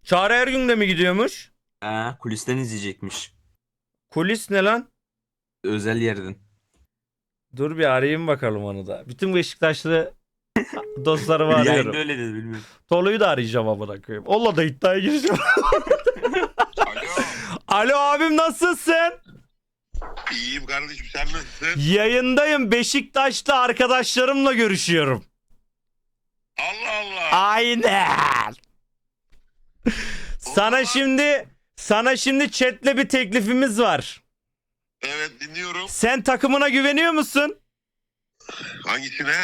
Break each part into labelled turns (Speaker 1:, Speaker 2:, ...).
Speaker 1: Çağrı Ergün de mi gidiyormuş?
Speaker 2: Kulisten izleyecekmiş.
Speaker 1: Kulis ne lan?
Speaker 2: Özel yerden.
Speaker 1: Dur bir arayayım bakalım onu da. Bütün Beşiktaşlı dostlarımı
Speaker 2: Yayında
Speaker 1: arıyorum.
Speaker 2: öyle dedi, bilmiyorum.
Speaker 1: Tolu'yu da arayacağım amına koyayım. Onunla da iddiaya gireceğim.
Speaker 3: Alo.
Speaker 1: Alo abim, nasılsın?
Speaker 3: İyiyim kardeşim, sen nasılsın?
Speaker 1: Yayındayım. Beşiktaşlı arkadaşlarımla görüşüyorum.
Speaker 3: Allah Allah.
Speaker 1: Aynen. Sana şimdi chatle bir teklifimiz var.
Speaker 3: Evet, dinliyorum.
Speaker 1: Sen takımına güveniyor musun?
Speaker 3: Hangisine?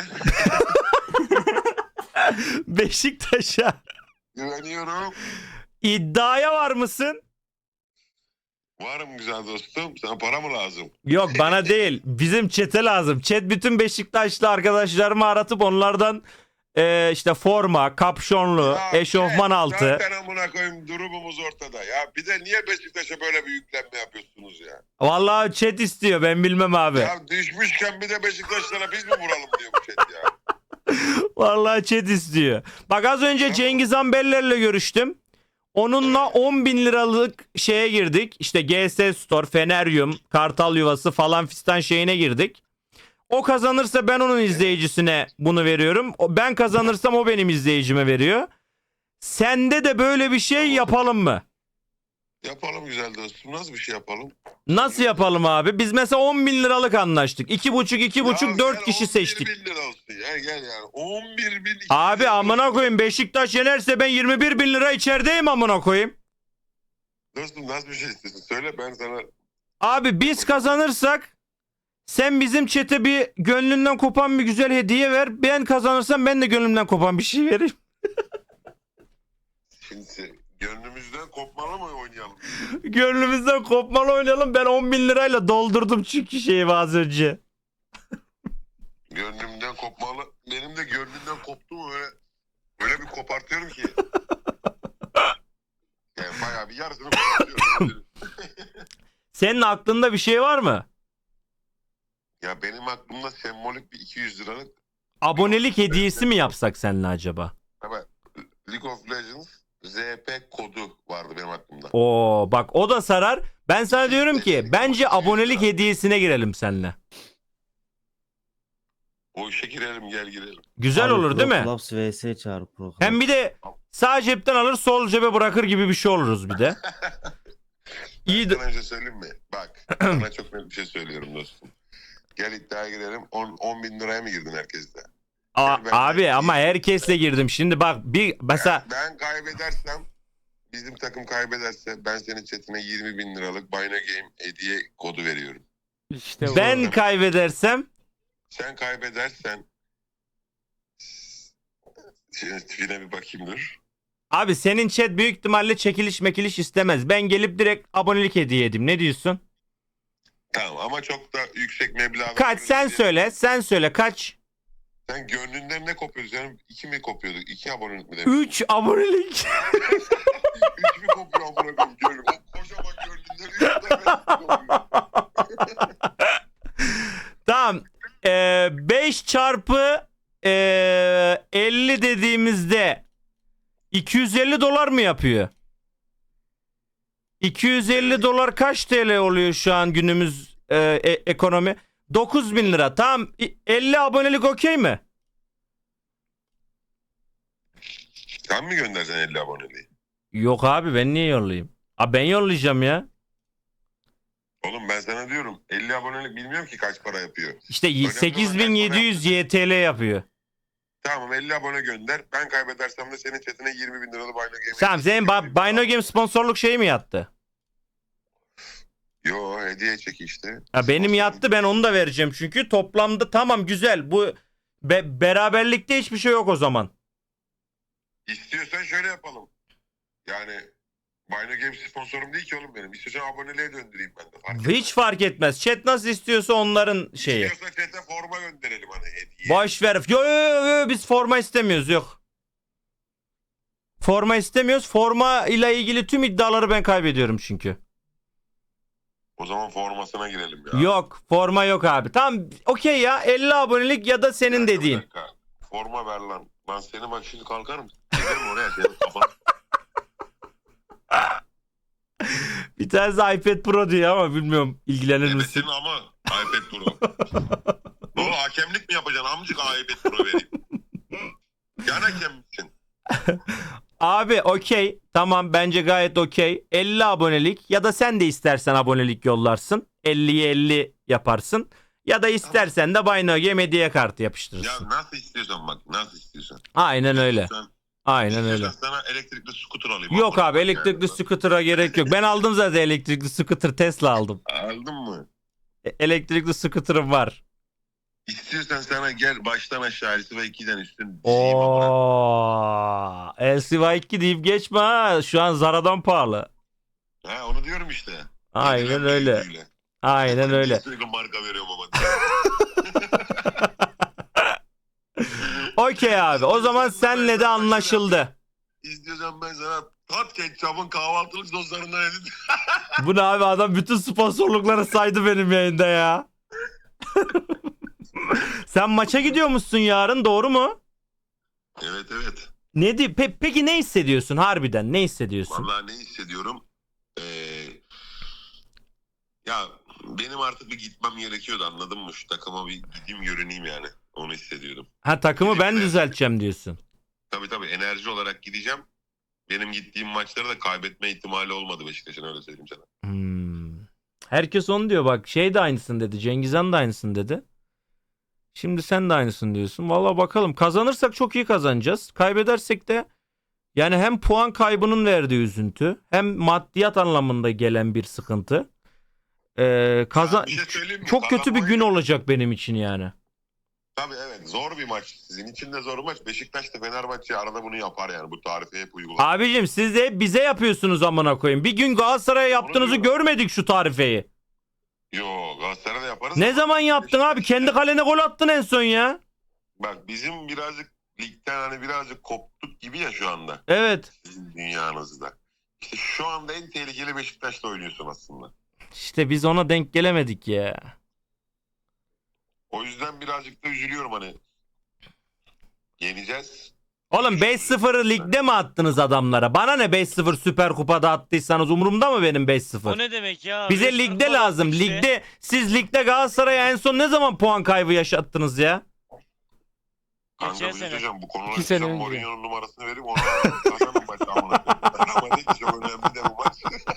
Speaker 1: Beşiktaş'a.
Speaker 3: Güveniyorum.
Speaker 1: İddiaya var mısın?
Speaker 3: Varım güzel dostum. Sana para mı lazım?
Speaker 1: Yok, bana değil. Bizim chat'e lazım. Chat bütün Beşiktaşlı arkadaşlarımı aratıp onlardan işte forma, kapşonlu,
Speaker 3: Ya,
Speaker 1: eşofman altı.
Speaker 3: Zaten amına koyayım, durumumuz ortada. Ya bir de niye Beşiktaş'a böyle bir yüklenme yapıyorsunuz ya?
Speaker 1: Vallahi chat istiyor, ben bilmem abi.
Speaker 3: Ya düşmüşken bir de Beşiktaşlara biz mi vuralım diyor bu chat ya.
Speaker 1: Vallahi chat istiyor. Bak az önce
Speaker 3: Tamam.
Speaker 1: Cengiz Ambeller'le görüştüm. Onunla 10 bin liralık şeye girdik. İşte GS Store, Feneryum, Kartal Yuvası falan fistan şeyine girdik. O kazanırsa ben onun izleyicisine bunu veriyorum. Ben kazanırsam o benim izleyicime veriyor. Sende de böyle bir şey yapalım mı?
Speaker 3: Yapalım güzel dostum. Nasıl bir şey yapalım?
Speaker 1: Nasıl yapalım abi? Biz mesela 10 bin liralık anlaştık. 2,5,
Speaker 3: Ya
Speaker 1: 4
Speaker 3: gel,
Speaker 1: kişi
Speaker 3: 11
Speaker 1: seçtik.
Speaker 3: bin lira olsun. Gel yani. 11 bin.
Speaker 1: Abi amına koyayım, Beşiktaş yenerse ben 21 bin lira içerideyim amına koyayım.
Speaker 3: Dostum nasıl bir şey istiyorsun? Söyle, ben sana.
Speaker 1: Abi biz kazanırsak sen bizim çete bir gönlünden kopan bir güzel hediye ver. Ben kazanırsam ben de gönlümden kopan bir şey vereyim.
Speaker 3: Şimdi gönlümüzden kopmalı mı oynayalım?
Speaker 1: Gönlümüzden kopmalı oynayalım. Ben 10 bin lirayla doldurdum çünkü şeyi az önce.
Speaker 3: Gönlümden kopmalı. Benim de gönlümden koptu mu öyle bir kopartıyorum ki. Yani bayağı bir yarısını kopartıyorum.
Speaker 1: Senin aklında bir şey var mı?
Speaker 3: Ya benim aklımda sembolik bir 200 liralık.
Speaker 1: Abonelik hediyesi mi yapsak seninle acaba?
Speaker 3: Evet. League of Legends ZP kodu vardı benim aklımda.
Speaker 1: Oo bak, o da sarar. Ben sana diyorum ki bence abonelik hediyesine girelim seninle.
Speaker 3: O işe girelim, gel girelim.
Speaker 1: Güzel
Speaker 4: Abi
Speaker 1: olur değil mi?
Speaker 4: Proclaps vs çağır Proclaps.
Speaker 1: Hem bir de sağ cepten alır sol cebe bırakır gibi bir şey oluruz bir de. İyi de...
Speaker 3: Sana önce söyleyeyim mi? Bak, sana çok net bir şey söylüyorum dostum. Gel iddiaya girelim. 10 bin liraya mı girdin herkeste?
Speaker 1: Abi ama herkesle girdim. Şimdi bak bir mesela
Speaker 3: Ben kaybedersem, bizim takım kaybederse ben senin chatine 20 bin liralık Bino Game hediye kodu veriyorum.
Speaker 1: işte ben kaybedersem
Speaker 3: Sen kaybedersen şimdi tipine bir bakayım dur.
Speaker 1: abi senin chat büyük ihtimalle çekiliş mekiliş istemez. Ben gelip direkt abonelik hediye edeyim. Ne diyorsun?
Speaker 3: Tamam ama çok da yüksek meblağ.
Speaker 1: Kaç sen söyle kaç?
Speaker 3: Sen gönlünden ne kopuyordun? Sen 2 mi kopuyorduk? 2 abonelik mi demek?
Speaker 1: 3 abonelik.
Speaker 3: 3 mi kopuyor amına koyayım gönlüm? O kocaman gönlünden 3 tane kopuyor.
Speaker 1: Tamam. 5 çarpı 50 dediğimizde 250 dolar mı yapıyor? 250 dolar kaç TL oluyor şu an günümüz ekonomi? 9 bin lira. Tamam. 50 abonelik okey mi?
Speaker 3: Sen mi göndereceksin 50 aboneliği?
Speaker 1: Yok abi, ben niye yollayayım? Abi ben yollayacağım ya.
Speaker 3: Oğlum ben sana diyorum 50 abonelik bilmiyorum ki kaç para yapıyor.
Speaker 1: İşte
Speaker 3: Önemli olan
Speaker 1: 8700 YTL yapıyor.
Speaker 3: Tamam 50 abone gönder. Ben kaybedersem de senin chatine 20 bin liralı Bino Game.
Speaker 1: Tamam, senin Bino Game sponsorluk şeyi mi yattı?
Speaker 3: Yo, hediye çek işte.
Speaker 1: Ha, benim yattı, ben onu da vereceğim çünkü toplamda tamam güzel. Bu beraberlikte hiçbir şey yok o zaman.
Speaker 3: İstiyorsan şöyle yapalım. Yani Bino Game sponsorum değil ki oğlum benim. İstiyorsan aboneliğe döndüreyim ben de. Fark
Speaker 1: Hiç fark etmez. Chat nasıl istiyorsa onların şeyi.
Speaker 3: İstiyorsan chat'e forma gönderelim hani hediye.
Speaker 1: Boş ver. Yo, biz forma istemiyoruz, yok. Forma istemiyoruz. Forma ile ilgili tüm iddiaları ben kaybediyorum çünkü.
Speaker 3: O zaman formasına girelim ya.
Speaker 1: Yok, forma yok abi. Tamam okey ya, 50 abonelik ya da senin
Speaker 3: Bir
Speaker 1: dediğin.
Speaker 3: dakika. Forma ver lan. Lan seni bak şimdi kalkarım. Giderim oraya senin kafan.
Speaker 1: Bir tanesi iPad Pro diyor ama bilmiyorum ilgilenir misin?
Speaker 3: Ebesin ama iPad Pro. Doğru, hakemlik mi yapacaksın amcık, iPad Pro vereyim. Yan hakem misin?
Speaker 1: Abi okey, tamam, bence gayet okey. 50 abonelik ya da sen de istersen abonelik yollarsın. 50'ye 50 yaparsın. Ya da istersen de Buy No Game hediye kartı
Speaker 3: Ya
Speaker 1: yapıştırırsın.
Speaker 3: nasıl istiyorsan bak, nasıl istiyorsan.
Speaker 1: Aynen öyle.
Speaker 3: İstiyorsan-
Speaker 1: Aynen öyle.
Speaker 3: istiyorsan sana elektrikli scooter alayım.
Speaker 1: Yok abi,
Speaker 3: Yani.
Speaker 1: elektrikli scooter'a gerek yok. Ben aldım zaten elektrikli scooter, Tesla aldım.
Speaker 3: Aldın mı?
Speaker 1: Elektrikli scooter'ım var.
Speaker 3: İstiyorsan sana gel baştan aşağı LCV2'den üstün dizeyim ama.
Speaker 1: Oo, LCY2 deyip geçme ha. Şu an Zara'dan pahalı.
Speaker 3: Ha, onu diyorum işte.
Speaker 1: Aynen
Speaker 3: Yenilen
Speaker 1: öyle.
Speaker 3: bilgiyle.
Speaker 1: Aynen öyle.
Speaker 3: Sürekli marka veriyorum ama.
Speaker 1: Okey abi. O zaman senle de anlaşıldı.
Speaker 3: İstiyorsan ben sana Tat Ketçap'ın kahvaltılık soslarından edin.
Speaker 1: Bu ne abi, adam bütün sponsorlukları saydı benim yayında ya. Sen maça gidiyor musun yarın, doğru mu?
Speaker 3: Evet evet.
Speaker 1: Ne peki ne hissediyorsun harbiden? Ne hissediyorsun?
Speaker 3: Vallahi ne hissediyorum? Ya benim artık bir gitmem gerekiyordu, anladın mı? Şu takıma bir gideyim görüneyim yani. Onu hissediyordum.
Speaker 1: Ha, takımı ben düzelteceğim diyorsun.
Speaker 3: Tabii enerji olarak gideceğim. Benim gittiğim maçları da kaybetme ihtimali olmadı Beşiktaş'ın, öyle söyleyeyim sana.
Speaker 1: Herkes onu diyor bak. Şey de aynısını dedi. Cengiz Han da aynısını dedi. Şimdi sen de aynısını diyorsun. Valla bakalım. Kazanırsak çok iyi kazanacağız. Kaybedersek de yani hem puan kaybının verdiği üzüntü, hem maddiyat anlamında gelen bir sıkıntı.
Speaker 3: Ya bir şey söyleyeyim mi?
Speaker 1: Çok kötü bir gün
Speaker 3: Kazanmayı-
Speaker 1: olacak benim için yani.
Speaker 3: Tabii evet, zor bir maç. Sizin için de zor bir maç. Beşiktaş da Fenerbahçe arada bunu yapar yani. Bu tarife hep uygular.
Speaker 1: Abicim siz de hep bize yapıyorsunuz amına koyayım. Bir gün Galatasaray'a yaptığınızı
Speaker 3: diyorum.
Speaker 1: görmedik şu tarifeyi.
Speaker 3: Yo, Galatasaray'da yaparız.
Speaker 1: Ne
Speaker 3: ama
Speaker 1: zaman yaptın abi?
Speaker 3: Beşiktaş-
Speaker 1: Kendi kalene gol attın en son ya.
Speaker 3: Bak bizim birazcık ligden hani birazcık koptuk gibi ya şu anda.
Speaker 1: Evet.
Speaker 3: Sizin dünyanızda. İşte şu anda en tehlikeli Beşiktaş'ta oynuyorsun aslında.
Speaker 1: İşte biz ona denk gelemedik ya.
Speaker 3: O yüzden birazcık da üzülüyorum hani. Yeneceğiz.
Speaker 1: Oğlum 5-0'ı ligde mi attınız adamlara? Bana ne 5-0 Süper Kupa'da attıysanız, umurumda mı benim 5-0?
Speaker 4: O ne demek ya?
Speaker 1: Bize
Speaker 4: Resmen
Speaker 1: ligde
Speaker 4: gol
Speaker 1: lazım.
Speaker 4: attık işte.
Speaker 1: Ligde siz ligde Galatasaray'a en son ne zaman puan kaybı yaşattınız ya?
Speaker 3: Kanka
Speaker 4: Geçen
Speaker 3: bir şey
Speaker 4: sene.
Speaker 3: söyleyeceğim. Bu konuda
Speaker 5: 2 sene
Speaker 3: sen
Speaker 5: önce.
Speaker 3: Mourinho'nun numarasını vereyim. Onu kazanın maçı amına. Ama ne ki çok önemli de bu maç.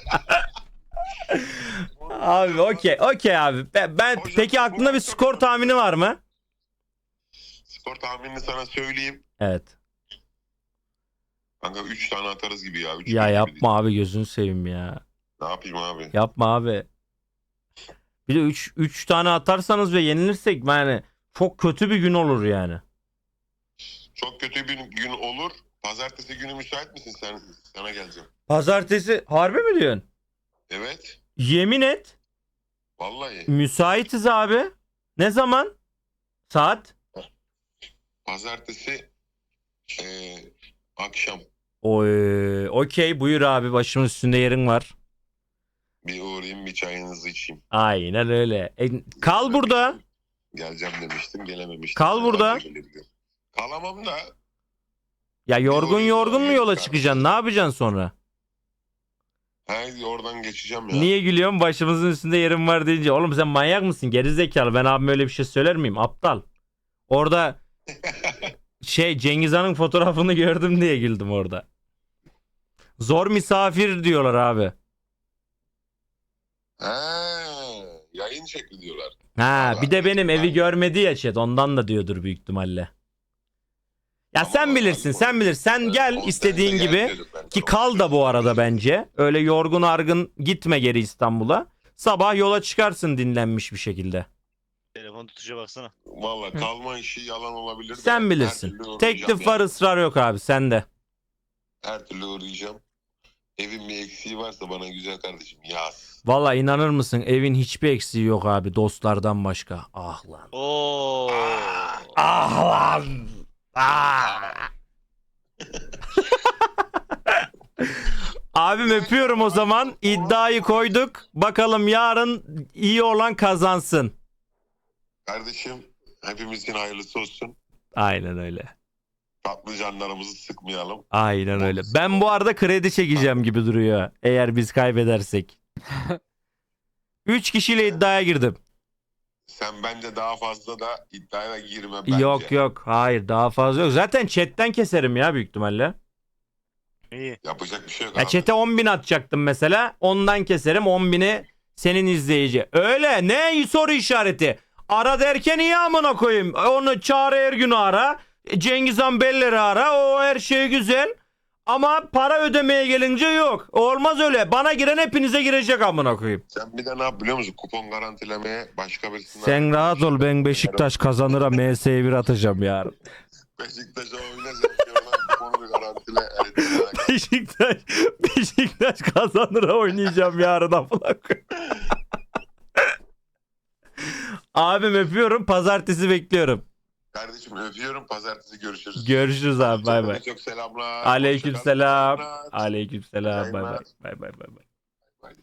Speaker 1: Abi okey abi. Ben
Speaker 3: Hocam,
Speaker 1: peki
Speaker 3: bu
Speaker 1: aklında bir
Speaker 3: maç
Speaker 1: skor
Speaker 3: çok-
Speaker 1: tahmini var mı?
Speaker 3: Skor tahminini sana söyleyeyim.
Speaker 1: Evet.
Speaker 3: Kanka 3 tane atarız gibi ya. 3
Speaker 1: Ya yapma abi, gözünü seveyim ya.
Speaker 3: Ne yapayım abi?
Speaker 1: Yapma abi. Bir de 3 tane atarsanız ve yenilirsek yani çok kötü bir gün olur yani.
Speaker 3: Çok kötü bir gün olur. Pazartesi günü müsait misin sen? Sana geleceğim.
Speaker 1: Pazartesi harbi mi diyorsun?
Speaker 3: Evet.
Speaker 1: Yemin et.
Speaker 3: Vallahi.
Speaker 1: Müsaitiz abi. Ne zaman? Saat?
Speaker 3: Pazartesi akşam
Speaker 1: Oy, okey, buyur abi, başımın üstünde yerin var.
Speaker 3: bir uğrayayım, bir çayınızı içeyim.
Speaker 1: Aynen öyle. Kal burada.
Speaker 3: Geleceğim demiştim, gelememiştim.
Speaker 1: Kal burada.
Speaker 3: Kalamam da.
Speaker 1: Ya yorgun mu yola
Speaker 3: Kardeşim.
Speaker 1: çıkacaksın? Ne yapacaksın sonra?
Speaker 3: Haydi oradan geçeceğim ya.
Speaker 1: Niye gülüyorsun? Başımızın üstünde yerim var deyince. Oğlum sen manyak mısın? Gerizekalı. Ben abime öyle bir şey söyler miyim? Aptal. Orada Cengiz Han'ın fotoğrafını gördüm diye güldüm orada. Zor misafir diyorlar abi.
Speaker 3: Yayın şekli diyorlar.
Speaker 1: Ha, bir de benim evi görmedi ya chat. Ondan da diyordur büyük ihtimalle. Ya
Speaker 3: Ama
Speaker 1: sen bilirsin, sen bilirsin. Sen gel
Speaker 3: Evet,
Speaker 1: istediğin
Speaker 3: gel
Speaker 1: gibi.
Speaker 3: diyorduk ben
Speaker 1: Ki
Speaker 3: sana.
Speaker 1: kal da bu arada bence. Öyle yorgun argın gitme geri İstanbul'a. Sabah yola çıkarsın dinlenmiş bir şekilde.
Speaker 4: Telefon tutuşa baksana.
Speaker 3: Valla kalma işi yalan olabilir de.
Speaker 1: Sen
Speaker 3: her
Speaker 1: bilirsin.
Speaker 3: türlü uğrayacağım
Speaker 1: Teklif var,
Speaker 3: yani.
Speaker 1: ısrar yok abi, sende.
Speaker 3: Her türlü uğrayacağım. Evin bir eksiği varsa bana güzel kardeşim yaz.
Speaker 1: Valla inanır mısın, evin hiçbir eksiği yok abi dostlardan başka. Ah lan.
Speaker 4: Oo.
Speaker 1: Ah lan. Ah. Abim öpüyorum o zaman. İddiayı koyduk. Bakalım yarın iyi olan kazansın.
Speaker 3: Kardeşim hepimizin hayırlısı olsun.
Speaker 1: Aynen öyle.
Speaker 3: Patlıcanlarımızı sıkmayalım.
Speaker 1: Aynen öyle. Ben bu arada kredi çekeceğim gibi duruyor. Eğer biz kaybedersek. 3 kişiyle iddiaya girdim.
Speaker 3: Sen bence daha fazla da iddiaya girme bence.
Speaker 1: Yok. Hayır, daha fazla yok. Zaten chatten keserim ya büyük ihtimalle.
Speaker 4: İyi.
Speaker 3: Yapacak bir şey yok
Speaker 1: Ya
Speaker 3: abi.
Speaker 1: chat'e 10.000 atacaktım mesela. Ondan keserim 10.000'i senin izleyici. Öyle ne soru işareti. Ara derken iyi amına koyayım. Onu Çağrı Ergün'ü ara. Cengiz Han Beller'i ara. O her şey güzel. Ama para ödemeye gelince yok. Olmaz öyle. Bana giren hepinize girecek amına koyayım.
Speaker 3: Sen bir de ne yap biliyor musun? Kupon garantilemeye başka birisinden...
Speaker 1: Sen rahat ol, ben Beşiktaş kazanıra MS'ye bir atacağım yarın.
Speaker 3: Beşiktaş'a oynayacağım. Oradan kuponu bir garantile.
Speaker 1: Beşiktaş kazanıra oynayacağım yarın amına koyayım. Abim öpüyorum. Pazartesi bekliyorum.
Speaker 3: Kardeşim öpüyorum. Pazartesi görüşürüz.
Speaker 1: Görüşürüz abi. Bay bay.
Speaker 3: Çok selamlar.
Speaker 1: Aleykümselam.
Speaker 3: Hoşça kalın.
Speaker 1: Aleykümselam. Bay bay.
Speaker 3: Yayınlar.
Speaker 1: Bay bay bay bay.
Speaker 3: Bay.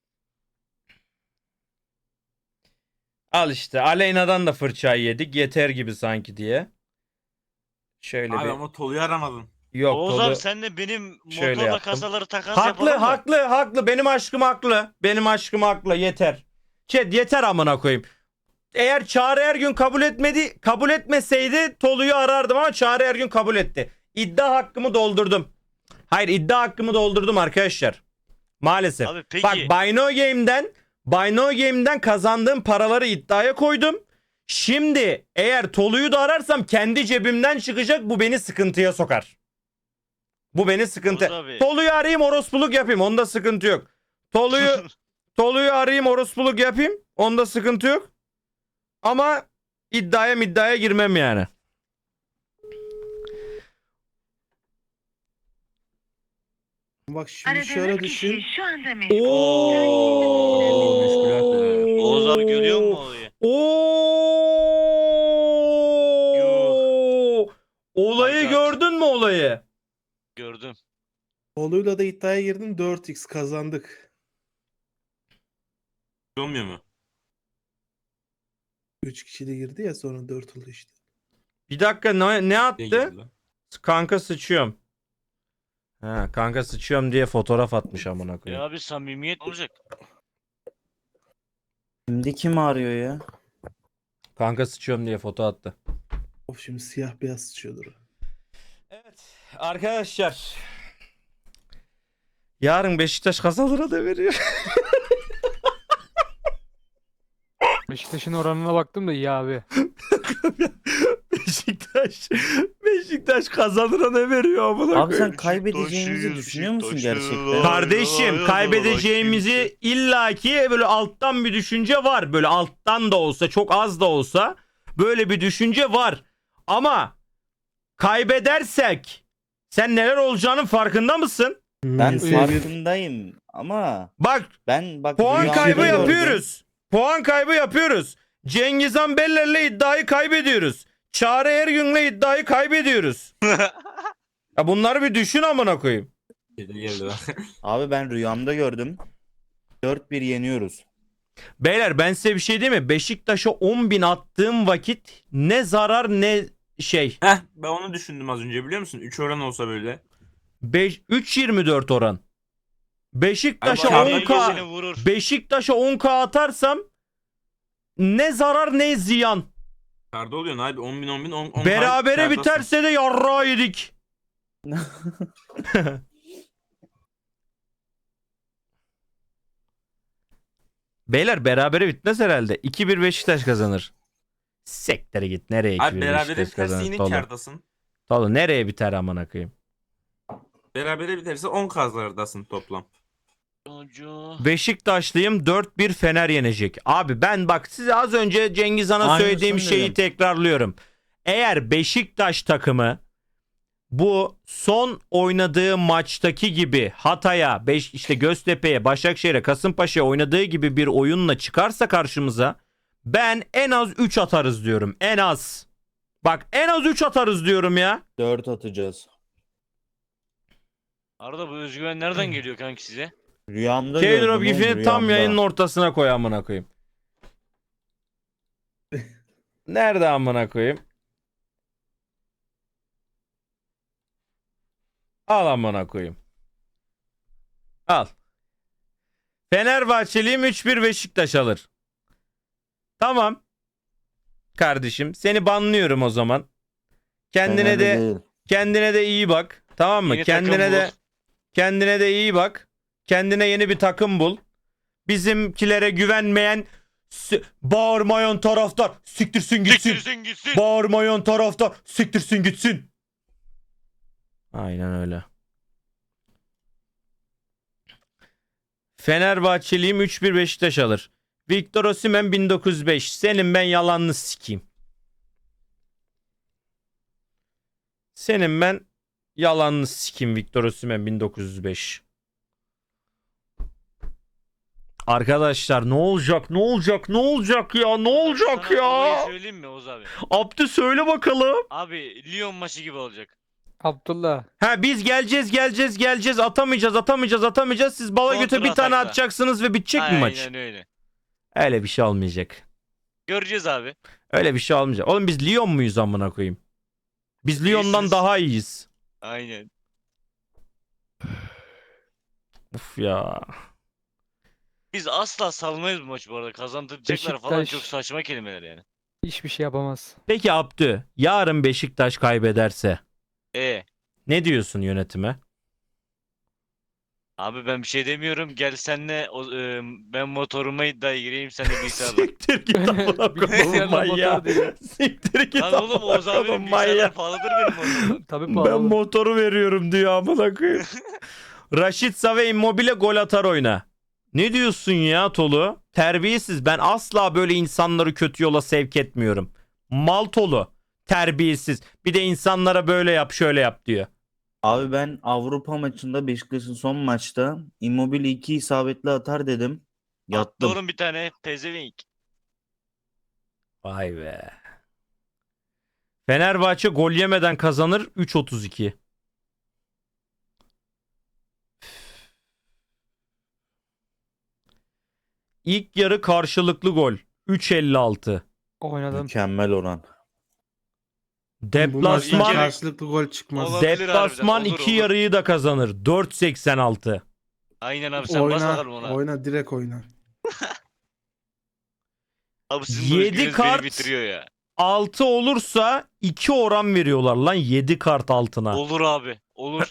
Speaker 1: Al işte. Aleyna'dan da fırçayı yedik. Yeter gibi sanki diye. Şöyle
Speaker 2: Abi
Speaker 1: bir.
Speaker 2: ama Tolu'yu aramadın.
Speaker 1: Yok
Speaker 4: Oğuz
Speaker 1: Tolu.
Speaker 4: abi sen de benim
Speaker 1: Şöyle
Speaker 4: motorla
Speaker 1: yaptım.
Speaker 4: kasaları takas
Speaker 1: Haklı
Speaker 4: yapalım mı?
Speaker 1: haklı. Benim aşkım haklı. Benim aşkım haklı. Yeter. Chat yeter amına koyayım. Eğer Çağrı Ergün kabul etmeseydi Tolu'yu arardım ama Çağrı Ergün kabul etti. İddia hakkımı doldurdum. Hayır, iddia hakkımı doldurdum arkadaşlar. Maalesef.
Speaker 4: Abi peki.
Speaker 1: Bak Bino Game'den kazandığım paraları iddiaya koydum. Şimdi eğer Tolu'yu da ararsam kendi cebimden çıkacak, bu beni sıkıntıya sokar. Bu beni sıkıntı.
Speaker 4: Oğuz abi.
Speaker 1: Tolu'yu arayayım orospuluk yapayım, onda sıkıntı yok. Tolu'yu arayayım orospuluk yapayım, onda sıkıntı yok. Ama iddiaya girmem yani.
Speaker 5: Bak şimdi şöyle düşün.
Speaker 6: Şu anda meşgul.
Speaker 4: Oğuz abi görüyor musun olayı?
Speaker 1: Olayı
Speaker 4: Haydat.
Speaker 1: gördün mü olayı?
Speaker 4: Gördüm.
Speaker 5: Oğluyla da iddiaya girdim. 4x kazandık.
Speaker 2: Olmuyor mu?
Speaker 5: 3 kişi de girdi ya, sonra 4 oldu işte.
Speaker 1: Bir dakika, ne
Speaker 2: Ne
Speaker 1: attı?
Speaker 2: girdi lan?
Speaker 1: Kanka sıçıyorum. Ha, kanka sıçıyorum diye fotoğraf atmış amına
Speaker 4: Ya
Speaker 1: koyayım.
Speaker 4: abi samimiyet olacak.
Speaker 7: Şimdi kim arıyor ya?
Speaker 1: Kanka sıçıyorum diye foto attı.
Speaker 5: Of, şimdi siyah beyaz sıçıyordur.
Speaker 1: Evet arkadaşlar. Yarın Beşiktaş kazanır da veriyor.
Speaker 8: Beşiktaş'ın oranına baktım da iyi abi.
Speaker 1: Beşiktaş kazanıra ne veriyor amına
Speaker 7: Abi
Speaker 1: koyayım.
Speaker 7: sen kaybedeceğimizi düşünüyor musun gerçekten?
Speaker 1: Kardeşim, kaybedeceğimizi illaki böyle alttan bir düşünce var. Böyle alttan da olsa, çok az da olsa böyle bir düşünce var. Ama kaybedersek sen neler olacağının farkında mısın?
Speaker 7: Ben
Speaker 5: Seviye bir-
Speaker 7: farkındayım ama
Speaker 1: Bak,
Speaker 7: ben
Speaker 1: puan
Speaker 7: rüyamda
Speaker 1: kaybı
Speaker 7: gördüm.
Speaker 1: yapıyoruz. Puan kaybı yapıyoruz. Cengiz Han Beller'le iddiayı kaybediyoruz. Çağrı Ergün'le iddiayı kaybediyoruz. Ya bunları bir düşün amına koyayım.
Speaker 2: Geldi lan.
Speaker 7: Abi ben rüyamda gördüm. 4-1 yeniyoruz.
Speaker 1: Beyler ben size bir şey diyeyim mi? Beşiktaş'a 10.000 attığım vakit ne zarar ne şey.
Speaker 2: Heh, ben onu düşündüm az önce biliyor musun? 3 oran olsa böyle.
Speaker 1: 3.24 oran. Beşiktaş'a
Speaker 2: Ama Çağrı
Speaker 1: 10k
Speaker 4: Seni vurur.
Speaker 1: Beşiktaş'a 10k atarsam ne zarar ne ziyan.
Speaker 2: Karda oluyorsun abi 10.000
Speaker 1: Berabere
Speaker 2: kardasın.
Speaker 1: biterse de yarrağı yedik. Beyler berabere bitmez herhalde. 2-1 Beşiktaş kazanır. Sektere git. Nereye 2-1
Speaker 2: Abi berabere
Speaker 1: Beşiktaş
Speaker 2: biterse
Speaker 1: kazanır?
Speaker 2: yine
Speaker 1: Tolu.
Speaker 2: kardasın.
Speaker 1: Tolu nereye biter amına koyayım?
Speaker 2: Berabere biterse 10 kazlardasın toplam.
Speaker 4: Çocuğu.
Speaker 1: Beşiktaşlıyım, 4-1 Fener yenecek. Abi ben bak size az önce Cengiz Han'a
Speaker 7: Aynısını
Speaker 1: söylediğim şeyi
Speaker 7: dedim.
Speaker 1: tekrarlıyorum. Eğer Beşiktaş takımı bu son oynadığı maçtaki gibi Hatay'a, işte Göztepe'ye, Başakşehir'e, Kasımpaşa'ya oynadığı gibi bir oyunla çıkarsa karşımıza ben en az 3 atarız diyorum. En az. Bak en az 3 atarız diyorum ya.
Speaker 7: 4 atacağız.
Speaker 4: Arada bu özgüven nereden geliyor kanki size?
Speaker 7: Rüyamda
Speaker 1: K-Drop
Speaker 7: gördüm oğlum,
Speaker 1: gifini tam
Speaker 7: rüyamda.
Speaker 1: yayının ortasına koy amına koyayım. Nerede amına koyayım? Al amına koyayım. Al. Fenerbahçeliyim 3-1 Beşiktaş alır. Tamam. Kardeşim seni banlıyorum o zaman. Kendine de iyi bak. Tamam mı?
Speaker 4: Yeni takım
Speaker 1: Kendine de iyi bak. Kendine yeni bir takım bul. Bizimkilere güvenmeyen bağırmayan taraftar siktirsin gitsin.
Speaker 4: Siktirsin gitsin.
Speaker 1: Bağırmayan taraftar siktirsin gitsin. Aynen öyle. Fenerbahçeliyim 3-1 Beşiktaş alır. Victor Osimhen 1905. Senin ben yalanını sikeyim. Senin ben yalanını sikeyim Victor Osimhen 1905. Arkadaşlar ne olacak? Ne olacak? Ne olacak ya? Ne olacak
Speaker 4: Sana olayı
Speaker 1: ya?
Speaker 4: söyleyeyim mi Oğuz abi?
Speaker 1: Abdü söyle bakalım.
Speaker 4: Abi Lyon maçı gibi olacak.
Speaker 8: Abdullah.
Speaker 1: Ha biz geleceğiz atamayacağız. Siz bala göte bir tane
Speaker 4: Kontra atakla.
Speaker 1: atacaksınız ve bitecek mi maç?
Speaker 4: Aynen öyle.
Speaker 1: Öyle bir şey olmayacak.
Speaker 4: Göreceğiz abi.
Speaker 1: Öyle bir şey olmayacak. Oğlum biz Lyon muyuz amına koyayım? Biz Lyon'dan
Speaker 4: İyisiniz.
Speaker 1: daha iyiyiz.
Speaker 4: Aynen.
Speaker 1: Uf ya.
Speaker 4: Biz asla salmayız bu maçı bu arada. Kazandıracaklar falan
Speaker 8: Beşiktaş-
Speaker 4: çok saçma kelimeler yani.
Speaker 8: Hiçbir şey yapamaz.
Speaker 1: Peki Abdü, yarın Beşiktaş kaybederse ne diyorsun yönetime?
Speaker 4: Abi ben bir şey demiyorum. Gel senle ben motoruma iddiaya gireyim sen de bilgisayarla.
Speaker 1: Siktir git amına koyayım
Speaker 8: Bilgisayarla
Speaker 1: manyağı.
Speaker 8: motor diyor.
Speaker 1: Siktir git
Speaker 4: Lan oğlum Oğuz
Speaker 1: amına
Speaker 4: abinin
Speaker 1: koyayım
Speaker 4: bilgisayarlar
Speaker 1: manyağı.
Speaker 4: pahalıdır benim motorum.
Speaker 8: Tabii
Speaker 1: Ben
Speaker 8: pahalı.
Speaker 1: motoru veriyorum diyor amına koyayım. Raşit ve Immobile gol atar oyna. Ne diyorsun ya Tolu? Terbiyesiz. Ben asla böyle insanları kötü yola sevk etmiyorum. Mal Tolu. Terbiyesiz. Bir de insanlara böyle yap şöyle yap diyor.
Speaker 7: Abi ben Avrupa maçında Beşiktaş'ın son maçta Immobile 2 isabetli atar dedim. Yattım.
Speaker 4: Doğru bir tane pezevenk.
Speaker 1: Vay be. Fenerbahçe gol yemeden kazanır 3.32. İlk yarı karşılıklı gol 3.56.
Speaker 8: Oynadım.
Speaker 7: Mükemmel oran.
Speaker 5: Bu maçtan
Speaker 1: Deplasman
Speaker 5: karşılıklı gol çıkmaz.
Speaker 4: Olabilir
Speaker 1: Deplasman
Speaker 4: harbiden, olur,
Speaker 1: iki
Speaker 4: olur.
Speaker 1: yarıyı da kazanır 4.86.
Speaker 4: Aynen abi sen bas bakalım ona.
Speaker 5: Oyna direkt oyna.
Speaker 4: Abi sizin bu
Speaker 1: 7
Speaker 4: özgürlüğünüz
Speaker 1: kart-
Speaker 4: beni bitiriyor ya.
Speaker 1: 6 olursa 2 oran veriyorlar lan 7 kart altına.
Speaker 4: Olur abi. Olur.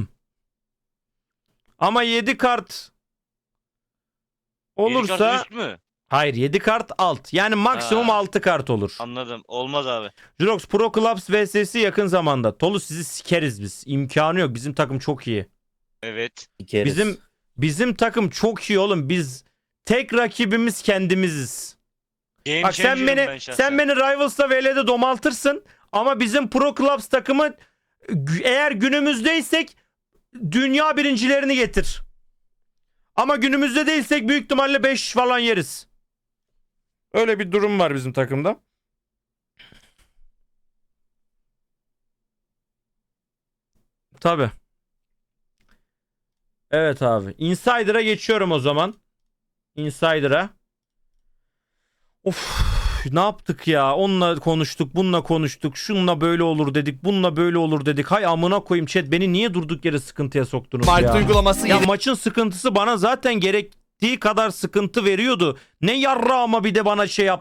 Speaker 1: Ama 7 kart
Speaker 4: Yedi
Speaker 1: olursa
Speaker 4: kart üst mü?
Speaker 1: hayır 7 kart alt. Yani maksimum
Speaker 4: Ha.
Speaker 1: 6 kart olur.
Speaker 4: Anladım. Olmaz abi.
Speaker 1: Jurox Pro Clubs vs'si yakın zamanda. Tolu sizi sikeriz biz. İmkanı yok. Bizim takım çok iyi.
Speaker 4: Evet.
Speaker 7: İkeriz.
Speaker 1: Bizim takım çok iyi oğlum. Biz tek rakibimiz kendimiziz.
Speaker 4: Game
Speaker 1: Bak sen
Speaker 4: changer'ım ben
Speaker 1: beni
Speaker 4: şahsen.
Speaker 1: Rivals'ta VL'de domaltırsın ama bizim Pro Clubs takımı eğer günümüzdeysek dünya birincilerini getir. Ama günümüzde değilsek büyük ihtimalle 5 falan yeriz. Öyle bir durum var bizim takımda. Tabii. Evet abi. Insider'a geçiyorum o zaman. Insider'a. Of, ne yaptık ya? Onunla konuştuk, bununla konuştuk. Şununla böyle olur dedik, bununla böyle olur dedik. Hay amına koyayım chat, beni niye durduk yere sıkıntıya soktunuz ya?
Speaker 6: uygulaması
Speaker 1: Ya maçın sıkıntısı bana zaten gerektiği kadar sıkıntı veriyordu. Ne yarra ama bir de bana şey